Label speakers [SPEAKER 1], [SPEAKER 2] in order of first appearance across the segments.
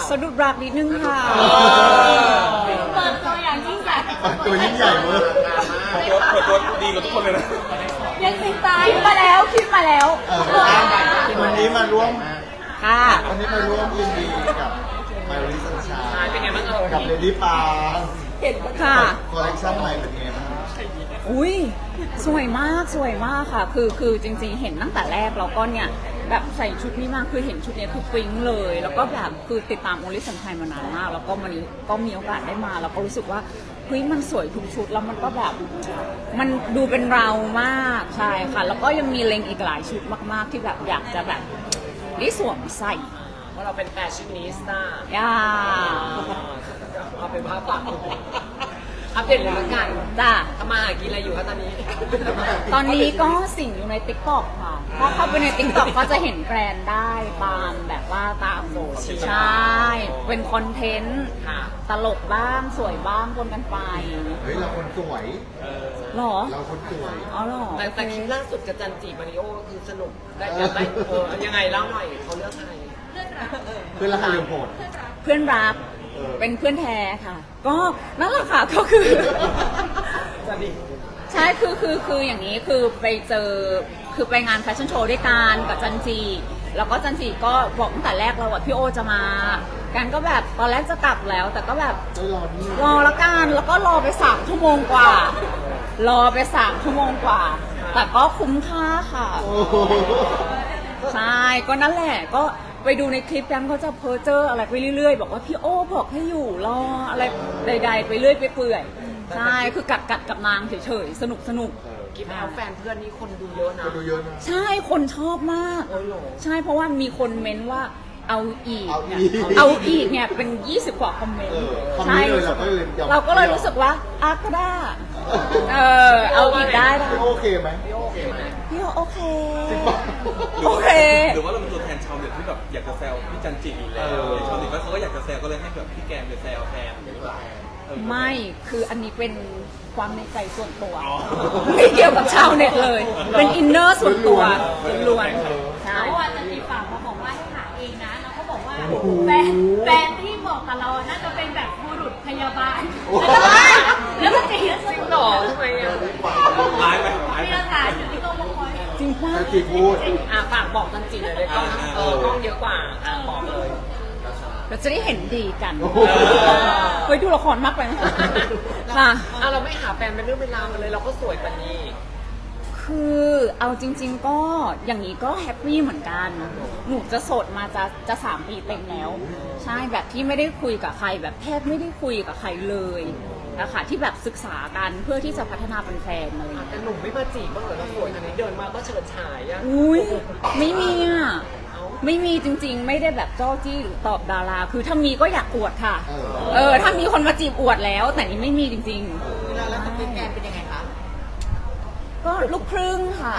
[SPEAKER 1] สะดุดรักนิดนึงค่ะ
[SPEAKER 2] เปิดตัวอย่างยิ่งใหญ่
[SPEAKER 3] ตัวยิ่งใหญ่เวอร์
[SPEAKER 4] เปิดตัวดีกว่าทุกคนเลยนะ
[SPEAKER 2] ยังติดตาม
[SPEAKER 1] คิดมาแล้วคิดมาแล้ว
[SPEAKER 3] วันนี้มาร่วม
[SPEAKER 1] ค่ะ
[SPEAKER 3] วันนี้มาร่วมยินดีกับมาริสันชา
[SPEAKER 4] เป็นไงบ้างเอ่ย
[SPEAKER 3] กับเลดี้ปา
[SPEAKER 1] ค่ะ
[SPEAKER 3] คอลเลคชั่นใหม่เป็นไงบ้าง
[SPEAKER 1] อุ้ยสวยมากสวยมากค่ะ คือจริงๆเห็นตั้งแต่แรกเราก็เนี่ยแบบใส่ชุดนี้มากคือเห็นชุดนี้คือปิ๊งเลย แล้วก็แบบคือติดตามโอลิสันไทยมานานมากแล้วก็วันนี้ก็มีโอกาสได้มาแล้วก็รู้สึกว่าเฮ้ยมันสวยทุกชุดแล้วมันก็แบบมันดูเป็นเรามากใช่ค่ะ แล้วก็ยังมีเล็งอีกหลายชุดมากๆที่แบบอยากจะแบบได้สวมใส่
[SPEAKER 4] เพราะเราเป็นแฟชั่นนิสต้า
[SPEAKER 1] ย่า
[SPEAKER 4] เอาเป็นภาพปากอัปเดตเลยละกัน
[SPEAKER 1] จ้า
[SPEAKER 4] ทำมาหากินอะไรอยู่คะตอนนี้
[SPEAKER 1] ตอนนี้ก็สิ่งอยู่ใน TikTok ค่ะ ถ้าเข้าไปใน TikTok ก็จะเห็นแบรนด์ได้ตามแบบว่าตามโซเชียลใช่ เป็นคอนเทนต์
[SPEAKER 4] ค่ะ
[SPEAKER 1] ตลกบ้างสวยบ้างปนกันไป
[SPEAKER 3] เฮ้ยเราคนสวย
[SPEAKER 1] หรอ
[SPEAKER 3] เราคนสวย
[SPEAKER 1] อ๋อหรอ
[SPEAKER 4] แต่คลิปล่าสุดกับจันจีมาริโอคือสนุกได้ยังไงเล่าหน่อยเขาเลือกใคร
[SPEAKER 3] เพื่อนราคาเรือโหด
[SPEAKER 1] เพื่อนรัก เป็นเพื่อนแท้ค่ะ ก็นั่นแหละค่ะก็คือ
[SPEAKER 4] จันจี
[SPEAKER 1] ใช่คืออย่างนี้คือไปเจอคือไปงานแฟชั่นโชว์ด้วยกันกับจันจีแล้วก็จันจีก็บอกตั้งแต่แรกเราว่าพี่โอจะมากันก็แบบตอนแรกจะกลับแล้ว แต่ก็แบบ
[SPEAKER 3] เฮ้ยรอนี่
[SPEAKER 1] รอละกันแล้วก็รอไป3 ชั่วโมงกว่ารอไป3 ชั่วโมงกว่า แต่ก็คุ้มค่าค่ะ
[SPEAKER 3] โอ้โห
[SPEAKER 1] ใช่ก็นั่นแหละก็ไปดูในคลิปแกมเขาจะเพ้อเจออะไรไปเรื่อยๆ บอกว่าพี่โอ้บอกให้อยู่รออะไรใดๆไปเรื่อยไปเปื่อยใช่คือกัดกับนางเฉยๆสนุก
[SPEAKER 4] คลิปแอลแฟนเพื่อนนี่คนดูเยอะนะ
[SPEAKER 3] คนดูเยอะนะ
[SPEAKER 1] ใช่คนชอบมาก
[SPEAKER 4] โอ้ยเหรอ
[SPEAKER 1] ใช่เพราะว่ามีคนเม้นว่าเอาอีก
[SPEAKER 3] เอา
[SPEAKER 1] เนี่ย
[SPEAKER 3] อีก
[SPEAKER 1] เอาอีกเนี่ยเป็น 20 กว่าคอมเมนต์
[SPEAKER 3] คอม
[SPEAKER 1] ใช่
[SPEAKER 3] นี้เลยเราก็เลยยอม
[SPEAKER 1] เราก็เลยรู้สึกว่าอ่ะก็ได้เอาอีกได้
[SPEAKER 3] พี่โอเคไหม
[SPEAKER 4] พี่โอเคไหม
[SPEAKER 1] พี่โอเค
[SPEAKER 3] จริงปะ
[SPEAKER 1] โอเค
[SPEAKER 5] หรือว่าเราเป็นตัวแทนชาวเน็ตที่แบบอยากจะแซวพี่จันจิอยู่แล้วชาวเน็ตก็เขาก็อยากจะแซวก็เลยให้แบบพี่แกมไปแซวแทนหรือเปล่า
[SPEAKER 1] ไม่คืออันนี้เป็นความในใจส่วนตัว ไม่เกี่ยวกับชาวเน็ตเลย เป็นอินเนอร์ส่วนตัวล้วนๆใช่
[SPEAKER 2] เมื่อวานจะมีฝากมาบอกว่าให้หาเองนะแล้วก็บอกว่าแฟนที่บอกกับเราน่าจะเป็นแบบบุรุษพยาบาลแล้วมันจะเห็น
[SPEAKER 4] จริงเหรอทำไมอ่ะ
[SPEAKER 5] ร้ายไหมร้าย
[SPEAKER 2] มี
[SPEAKER 5] ไหม
[SPEAKER 2] หลักฐานอยู่ที่กองละคร
[SPEAKER 1] จริงป่ะ
[SPEAKER 3] จันจีพูด
[SPEAKER 4] ฝากบอกจันจีเลยเลยกล้องกล้องเยอะกว่าบอกเลย
[SPEAKER 1] เราจะได้เห็นดีกัน
[SPEAKER 3] โอ้โห
[SPEAKER 1] เฮ้ยดูละครมากไปไหมค่ะ
[SPEAKER 4] เราไม่หาแฟนเป็นเรื่องเป็นราวกันเลยเราก็สวยปานนี้
[SPEAKER 1] คือเอาจริง ๆ ก็อย่างนี้ก็แฮปปี้เหมือนกัน หนูจะโสดมาจะ3 ปีเต็มแล้ว ใช่แบบที่ไม่ได้คุยกับใครแบบแทบไม่ได้คุยกับใครเลยนะคะที่แบบศึกษากันเพื่อที่จะพัฒนาเป็นแฟนอะไรอย่างเงี้ย
[SPEAKER 4] แต่หนุ่มไม่มาจีบบ้างเหรอเราสวยขนาดนี้เดินมาก็เฉิดฉายอะ
[SPEAKER 1] อุ้ยไม่มีอ่ะไม่มีจริงๆ ไม่ได้แบบจ้อจี้หรือตอบดารา คือถ้ามีก็อยากอวดค่ะ ถ้ามีคนมาจีบอวดแล้ว แต่นี่ไม่มีจริงๆแล้วสเปคแฟนเป็นยังไงคะก็ลูกครึ่งค่ะ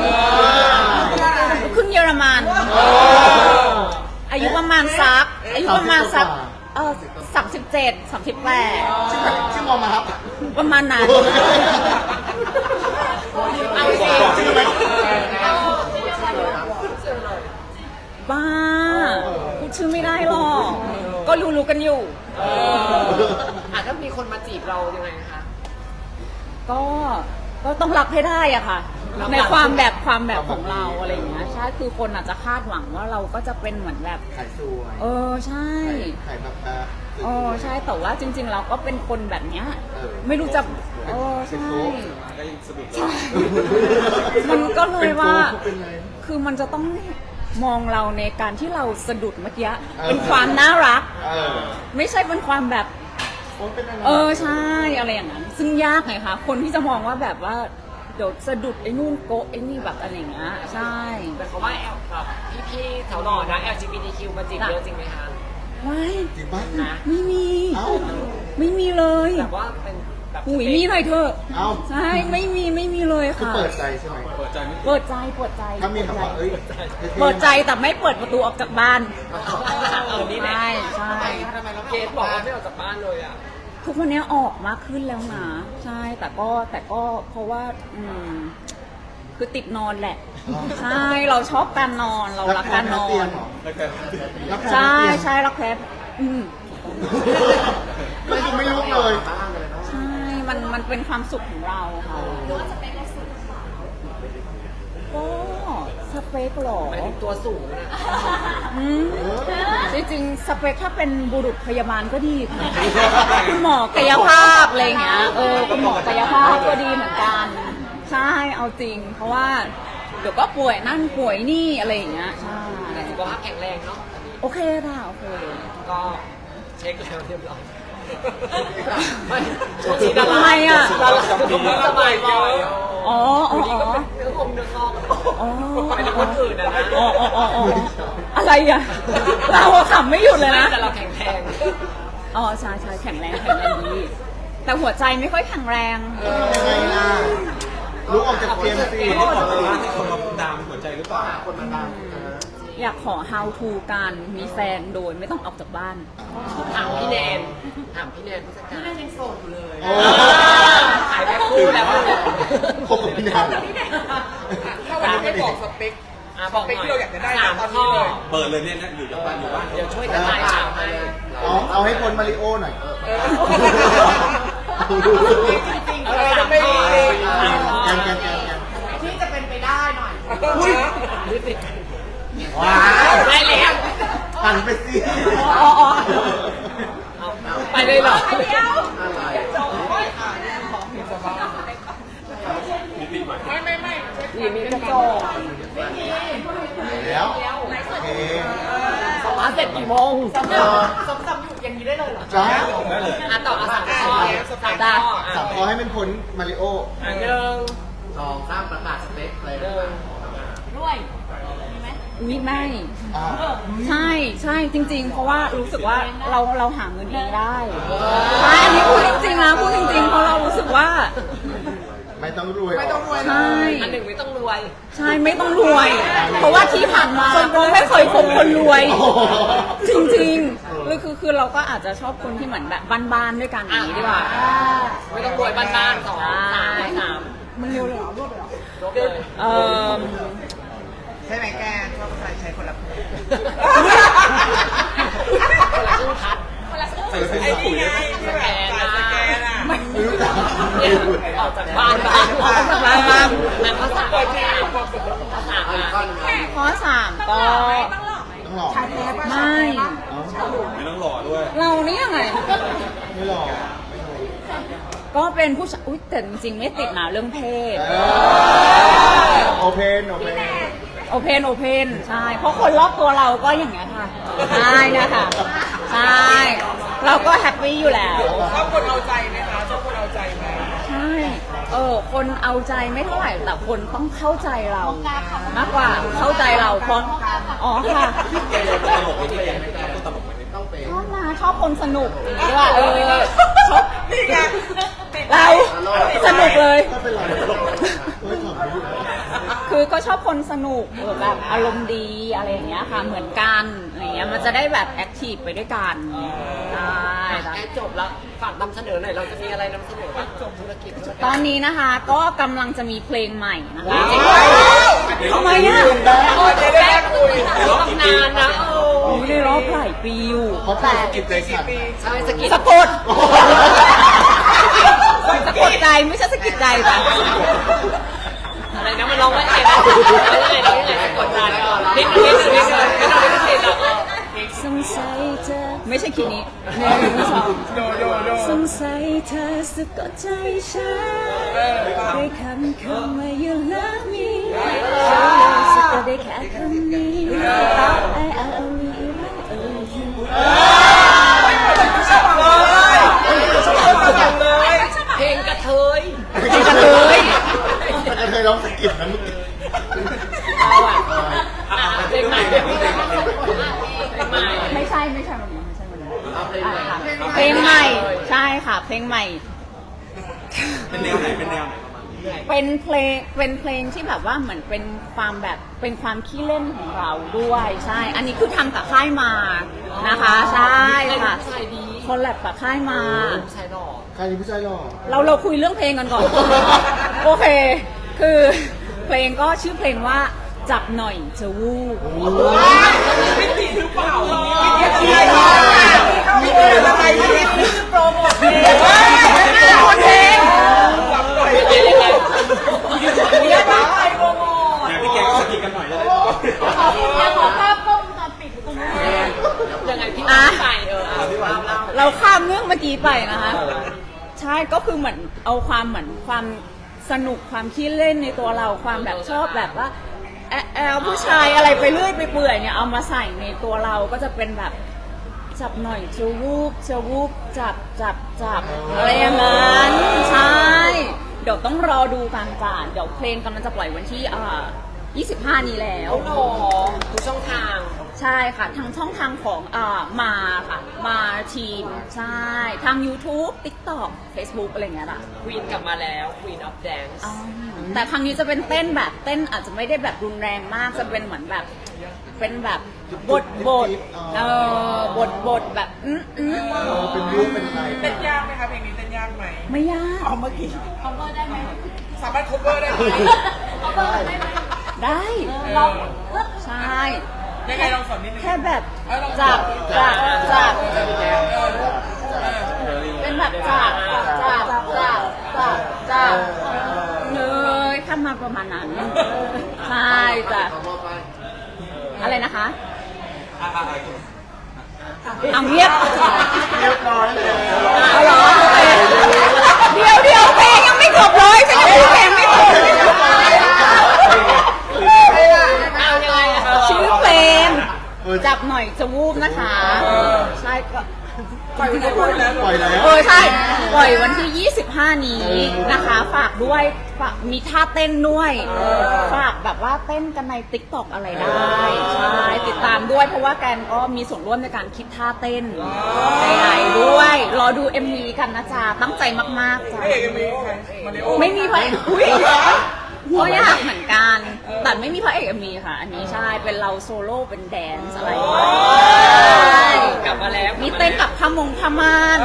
[SPEAKER 1] ลูกครึ่งเยอรมันอายุประมาณสัก37 38
[SPEAKER 3] ชื่อมอมาครับ
[SPEAKER 1] ประมาณนั้น
[SPEAKER 4] เอาสิ
[SPEAKER 3] ชื่อไหม
[SPEAKER 1] บ้าพูดชื่อไม่ได้หรอก ก็รู้กันอยู่
[SPEAKER 4] ถ้ามีคนมาจีบเรายังไงคะ
[SPEAKER 1] ก็ต้องรับให้ได้อะค่ะ ในความแบบของเราอะไรอย่างเงี้ยใช่คือคนอาจจะคาดหวังว่าเราก็จะเป็นเหมือนแบบ
[SPEAKER 3] ขายสวย
[SPEAKER 1] ใช่
[SPEAKER 3] ขายแบบ
[SPEAKER 1] ใช่แต่ว่าจริง ๆ เราก็เป็นคนแบบเนี้ย
[SPEAKER 3] เออ
[SPEAKER 1] ไม่รู้จะใช่
[SPEAKER 5] ก็ยังสะดุด
[SPEAKER 1] มันก็เลยว่า
[SPEAKER 3] เป็นไร
[SPEAKER 1] คือมันจะต้องมองเราในการที่เราสะดุดเมื่อกี้เป็นความน่ารัก ไม่ใช่เป็นความแบบ
[SPEAKER 3] เป็นอะไร
[SPEAKER 1] ใช่อะไรอย่างนั้นซึ่งยากไงคะคนที่จะมองว่าแบบว่าเดี๋ยวสะดุดไอ้นู่นโกะไอ้นี่แบบอะไรอย่างเงี้ยใช่
[SPEAKER 4] แต่เขาว่าแบบพี่ๆแถวหล่อนะ LGBTQ มาจีบเยอะจริงไหมคะ
[SPEAKER 1] ไม่
[SPEAKER 3] จริงปะ
[SPEAKER 4] นะ
[SPEAKER 1] ไม่มี
[SPEAKER 3] เอ้า
[SPEAKER 1] ไม่มีเลย
[SPEAKER 4] แบบว่าเป็นแบบ
[SPEAKER 1] หุยมีหน่อยเถอะ
[SPEAKER 3] เอ้า
[SPEAKER 1] ใช่ไม่มีเลย
[SPEAKER 3] คือ
[SPEAKER 1] ค่ะ
[SPEAKER 3] เปิดใจใช่ไหม
[SPEAKER 5] เปิดใจไม่
[SPEAKER 1] เปิดใจเปิดใจ
[SPEAKER 3] ถ้ามีแบบว่าเอ้ย
[SPEAKER 1] เปิดใจแต่ไม่เปิดประตูออกจากบ้าน
[SPEAKER 4] นี่แหละ
[SPEAKER 1] ใช่
[SPEAKER 4] เกสบอกว่าไม่ออกจากบ้านเลยอ่ะ
[SPEAKER 1] ทุกวันนี้ออกมากขึ้นแล้วนะใช่แต่ก็เพราะว่าคือติดนอนแหละ ใช่เราชอบการนอนเรารักการนอน
[SPEAKER 5] แล้วแค่
[SPEAKER 1] ใช่รักแพ้
[SPEAKER 3] ไม่ดูไม่ลุกเลย
[SPEAKER 1] ใช่ มันเป็นความสุขของเราค่ะ
[SPEAKER 2] หรือว่าสเปคเราสูง
[SPEAKER 1] ก็สเปคเหรอ
[SPEAKER 4] หมายถึงตัวสูงนะ
[SPEAKER 1] อืมจริงๆสเปคถ้าเป็นบุรุษพยาบาลก็ดีค่ะคุณหมอกายภาพอะไรอย่างเงี้ยคุณหมอกายภาพก็ดีเหมือนกัน ใช่เอาจริง เพราะว่าเดี๋ยวก็ป่วยนั่นป่วยนี่อะไรอย่างเงี้ยใช่
[SPEAKER 4] แต่สุขภาพแข็งแรงเนาะอันนี้
[SPEAKER 1] โอเคค่ะโอเค
[SPEAKER 4] ก็เช็คแล้วเรียบร้อยไม่ช่วงนี้ดารา
[SPEAKER 1] ทำไมอะ
[SPEAKER 4] ดาราไม่สบายบ่อย
[SPEAKER 1] อ๋ออ๋อ
[SPEAKER 4] นี่
[SPEAKER 1] อ๋
[SPEAKER 4] ก็
[SPEAKER 1] อ
[SPEAKER 4] เป็นเนื้องเนื้องอก
[SPEAKER 1] อ๋อ
[SPEAKER 4] ไปถึงคนอื่นนะนะ
[SPEAKER 1] อ๋ออ๋ออ๋ออะไรอ่ะเราอะขำไม่หยุดเลยนะ
[SPEAKER 4] แต่เราแข็งแรง
[SPEAKER 1] อ๋อใช่ใช่แข็งแรงดีแต่หัวใจไม่ค่อยแข็งแรง
[SPEAKER 3] ยังไงล่ะลุกออกจากเตียงสิ
[SPEAKER 5] ไม่ได้บอกเลยว่าให้คนมาดามหัวใจหรือเปล่า
[SPEAKER 3] คนมาดัง
[SPEAKER 1] อยากขอ how to การมีแฟนโดยไม่ต้องออกจากบ้าน
[SPEAKER 4] ถามพี่แนนผู้จัดการ
[SPEAKER 2] นั่นยังโสดอยู่เลย
[SPEAKER 3] โอ้
[SPEAKER 4] ขายแพ็คคู่แล้ว
[SPEAKER 3] คบกับพี่นาง
[SPEAKER 6] ถ้าวันนี้ไม่บอกสเปค
[SPEAKER 4] บอกหน่อย
[SPEAKER 6] ที่เราอยากจะได้
[SPEAKER 4] สาม
[SPEAKER 6] ตอนนี้
[SPEAKER 4] ข้อ
[SPEAKER 6] เลย
[SPEAKER 5] เปิดเลยเนี่ยนะอยู่จากบ้านอยู่บ้าน
[SPEAKER 4] เดี๋ยวช่วยกระจายข่าวให้
[SPEAKER 3] เอาให้พ้นมาริโอหน่อย
[SPEAKER 6] จริงๆอะไรจะไม่ดี
[SPEAKER 3] แกน
[SPEAKER 6] ที่จะเป็นไปได้หน่อย
[SPEAKER 3] ว้าว
[SPEAKER 4] ได้แล้ว
[SPEAKER 3] หันไปสิ
[SPEAKER 1] อ๋ออ๋อ
[SPEAKER 4] ไปเลยเหรอ
[SPEAKER 1] มีกระจก
[SPEAKER 3] แล้วโอเค
[SPEAKER 4] มาเสร็จกี่โมง
[SPEAKER 6] ซ้ำอยู่อย่างนี้ได้เลยเหรอ
[SPEAKER 3] จ้า
[SPEAKER 5] ได้เลย
[SPEAKER 4] ต่อสามข้อสามข้อ
[SPEAKER 3] สามข้อให้มันพ้นมาริโอ
[SPEAKER 4] หนึ่ง
[SPEAKER 3] 2 3ประกาศสเปคอะไร
[SPEAKER 4] หนึ่ง
[SPEAKER 2] ด้วยมีไหม
[SPEAKER 1] อุ๊ยไม่
[SPEAKER 3] อ่า
[SPEAKER 1] ใช่ใช่จริง ๆ เพราะว่ารู้สึกว่าเราหาเงินเองได้ใช่อันนี้พูดจริงๆนะพูดจริงๆเพราะเรารู้สึกว่า
[SPEAKER 3] ไม่ต้องรวย
[SPEAKER 6] ไม่ต้องรวย
[SPEAKER 1] ใช่
[SPEAKER 4] อันหนึ่งไม่ต้องรวย
[SPEAKER 1] ใช่ไม่ต้องรวย เพราะว่าที่ผ่านมาก็ไม่เคยคบคนรวย จริงๆคือเราก็อาจจะชอบคนที่เหมือนแบบบ้านๆด้วยกันอย่างนี้ดีกว่า
[SPEAKER 4] ไม่ต้องรวยบ้านๆสองสาม
[SPEAKER 1] มันเร็วเลยเหรอรวดเลยเหรอ
[SPEAKER 4] ลบเลย
[SPEAKER 6] ใช่ไหมแกชอบใช้คนละ
[SPEAKER 4] คนละครึ่งพัด
[SPEAKER 5] ใส่เป็นปุ๋ยเลย
[SPEAKER 4] สแกนนะ
[SPEAKER 3] ไม่รู้จัก
[SPEAKER 4] ออกจากบ้านบ้างนั่นภาษาภาษา
[SPEAKER 1] ข้อสามก็
[SPEAKER 3] ต้องหลอก
[SPEAKER 1] ไม่
[SPEAKER 5] ไม่ต้องหล่อด้วย
[SPEAKER 1] เรานี่ยังไง
[SPEAKER 3] ไม่หลอก
[SPEAKER 1] ก็เป็นผู้ชายอุ๊ยแต่จริงๆไม่ติดนะเรื่องเพศ
[SPEAKER 3] โอเพน
[SPEAKER 1] โอเพนใช่ เพราะคนรอบตัวเราก็อย่างเงี้ยค่ะ ใช่นะคะใช่ เราก็แฮปปี้อยู่แล้ว
[SPEAKER 6] ชอบคนเอาใจไหมคะชอบคนเอาใจไหม
[SPEAKER 1] ใช่ คนเอาใจไม่เท่าไหร่แต่คนต้องเข้าใจเรา มากกว่าเข้าใจเราเพราะอ๋อค่ะ
[SPEAKER 5] ตลกไหมพี่แกไม่ได้ตลกไหม
[SPEAKER 1] ชอบนะชอบคนสนุกอย่างนี้ว่าชอบ
[SPEAKER 6] นี่ไง
[SPEAKER 1] เราสนุกเลย
[SPEAKER 3] ก็เป็นไรไม่ขำไม่รู้
[SPEAKER 1] คือก็ชอบคนสนุกแบบอารมณ์ดีอะไรอย่างเงี้ยค่ะเหมือนกันอะไรเงี้ยมันจะได้แบบแอคทีฟไปด้วยกันใช่
[SPEAKER 4] แอดจบแล้วฝากนำเสนอหน่อยเราจะมีอะไรนำเสนอบ้างจบธุรกิจ
[SPEAKER 1] ตอนนี้นะคะก็กำลังจะมีเพลงใหม่นะคะทำไมอ่ะ
[SPEAKER 6] จะได้คุย
[SPEAKER 4] ตำนานนะ
[SPEAKER 1] อยู่ในรอบหลายปีอยู่
[SPEAKER 3] เขาแต่กิจใจสั่น
[SPEAKER 4] ใช่สกิด
[SPEAKER 1] สะกดสะกดใจไม่ใช่สะกิดใจจ้ะ
[SPEAKER 4] อะไรนะมันร้องว่าอะไรนะเรายังไงสะกดใจก่อนนิดนึงไม่ต้องติดหรอก
[SPEAKER 1] สงสัยเธอไม่ใช่คีย์นี้1 2
[SPEAKER 6] โดโด
[SPEAKER 1] สงสัยเธอสะกดใจฉันด้วยคำว่า you love me สะกดได้แค่คำนี้ I love you I love you
[SPEAKER 4] เพลงกระเทย
[SPEAKER 1] กระเทย
[SPEAKER 3] แต่เคยร้องสะกิดนะเมื่อกี้
[SPEAKER 4] เอาอ่ะเพลงใหม่เพลงใหม่
[SPEAKER 1] ไม่ใช่วันนี้ไม่ใช่วันนี้เพลงใหม่ใช่ค่ะเพลงใหม่
[SPEAKER 5] เป็นแนวไหนเป็นแนวไหนประมาณนี้
[SPEAKER 1] เป็นเพลงที่แบบว่าเหมือนเป็นความแบบเป็นความขี้เล่นของเราด้วยใช่ อันนี้คือทำกับค่ายมานะคะใช่ค่ะ
[SPEAKER 4] ใช่ดี
[SPEAKER 1] คอลแลบกับค่ายมา
[SPEAKER 4] ใช่หรอ
[SPEAKER 3] ใครเป็นผู้ชายหล่อ
[SPEAKER 1] เราคุยเรื่องเพลงกันก่อน โอเค คือเพลงก็ชื่อเพลงว่าจับหน่อยจะวูบ
[SPEAKER 6] ไม่ติดหรือเปล่าอะไรที่โปรโมทเพลง
[SPEAKER 1] โปรโมทเพลง
[SPEAKER 6] จับหน่อย
[SPEAKER 4] ยังไงยังไง
[SPEAKER 6] เรียกว่าใครโปรโมท
[SPEAKER 5] อยากพี่แกงก็สกินกันหน่อยจะได้
[SPEAKER 2] อยากขอภาพกล้องวงจรปิดตรงนี้
[SPEAKER 4] ยังไงพี่
[SPEAKER 1] อ่ะ
[SPEAKER 4] ใส่เล่า
[SPEAKER 1] เราข้ามเรื่องเมื่อกี้ไปนะคะ ใช่ก็คือเหมือนเอาความเหมือนความสนุกความขี้เล่นในตัวเราความแบบชอบแบบว่าแอลผู้ชายอะไรไปเรื่อยไปเปื่อยเนี่ยเอามาใส่ในตัวเราก็จะเป็นแบบจับหน่อยจะวูบจับอะไรอย่างนั้นใช่เดี๋ยวต้องรอดูกันจ้ะเดี๋ยวเพลงกำลังจะปล่อยวันที่25 นี้แล้ว
[SPEAKER 4] ทุกช่องทาง
[SPEAKER 1] ใช่ค่ะทางช่องทางของมาค่ะมาทีมใช่ทาง YouTube TikTok Facebook อะไรเงี้ยล่ะ
[SPEAKER 4] ควีนกลับมาแล้ว Queen of Dance
[SPEAKER 1] แต่ครั้งนี้จะเป็นเต้นแบบเต้นอาจจะไม่ได้แบบรุนแรงมากจะเป็นเหมือนแบบเป็นแบบบทแบบ
[SPEAKER 3] เป็นรูปเป็นอะไร
[SPEAKER 6] เต้นยากไหมคะเพลงนี้เต้นยากไหม
[SPEAKER 1] ไม่ยาก
[SPEAKER 6] เอาเมื่อกี้
[SPEAKER 2] cover ได้ไหม
[SPEAKER 6] สามารถ cover ได้ไหม
[SPEAKER 2] cover ได้ไหม
[SPEAKER 1] ได้
[SPEAKER 2] ลอง
[SPEAKER 1] ใช่
[SPEAKER 6] ยังไงลองสอนนิดนึง
[SPEAKER 1] แค่แบบ
[SPEAKER 6] จับ
[SPEAKER 1] เป็นแบบจับเลยข้ามมาประมาณนั้นใช่จ้ะอะไรนะคะเอาเงียบ
[SPEAKER 3] เรียบร้อยเลย
[SPEAKER 1] เอาเหรอโอเคเดี๋ยวเพลงยังไม่จบเลยฉันยังพูดเพลงไม่จบ
[SPEAKER 4] เอายังไงอะ
[SPEAKER 1] ชื่อเพลงจับหน่อยจะวูบนะคะใช่ก็
[SPEAKER 6] ปล่อยแล้ว
[SPEAKER 3] ปล่อยแล้ว
[SPEAKER 1] ใช่ปล่อยวันที่ 25 นี้นะคะ ฝากด้วยฝากมีท่าเต้นด้วยฝากแบบว่าเต้นกันใน TikTok อะไรได้ใช่ติดตามด้วยเพราะว่าแกนก็มีส่วนร่วมในการคิดท่าเต้นใดๆด้วยรอดู MV กันนะจ๊ะตั้งใจมากๆจ้ะ
[SPEAKER 6] เอกมีใครมาริโอ
[SPEAKER 1] ไม่มีพระเอกอุ้ยก็ยากเหมือนกัน แต่ไม่มีพระเอกมีค่ะ อันนี้ใช่ เป็นเราโซโล่เป็นแดนซ์อะไรอย่างเงี้ยใช่
[SPEAKER 4] กลับมาแล้ว
[SPEAKER 1] มีเต้นกับพมงพม่าน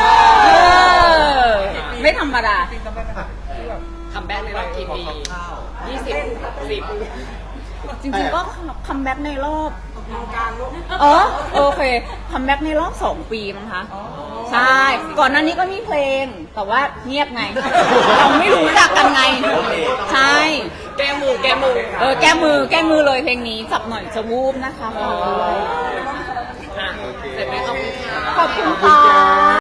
[SPEAKER 1] ไม่ธรรมดา
[SPEAKER 6] จริงจำได้ไหมคะที่แบบ
[SPEAKER 4] คัมแบ็กในรอบกี่ปี20 10
[SPEAKER 1] จริงๆก็คัมแบ็กในรอบ
[SPEAKER 6] การลูก
[SPEAKER 1] โอเคคัมแบ็กในรอบ 2 ปีมั้งคะใช่ ก่อนหน้านี้ก็มีเพลง แต่ว่าเงียบไง เราไม่รู้จักกันไง ใช่
[SPEAKER 4] แก้มือ
[SPEAKER 1] แก้มือเลยเพลงนี้จับหน่อยจะวูบนะคะฝากด้วย
[SPEAKER 4] อ่ะเสร็จไหมขอบคุณค่ะ
[SPEAKER 1] ขอบคุณค่ะ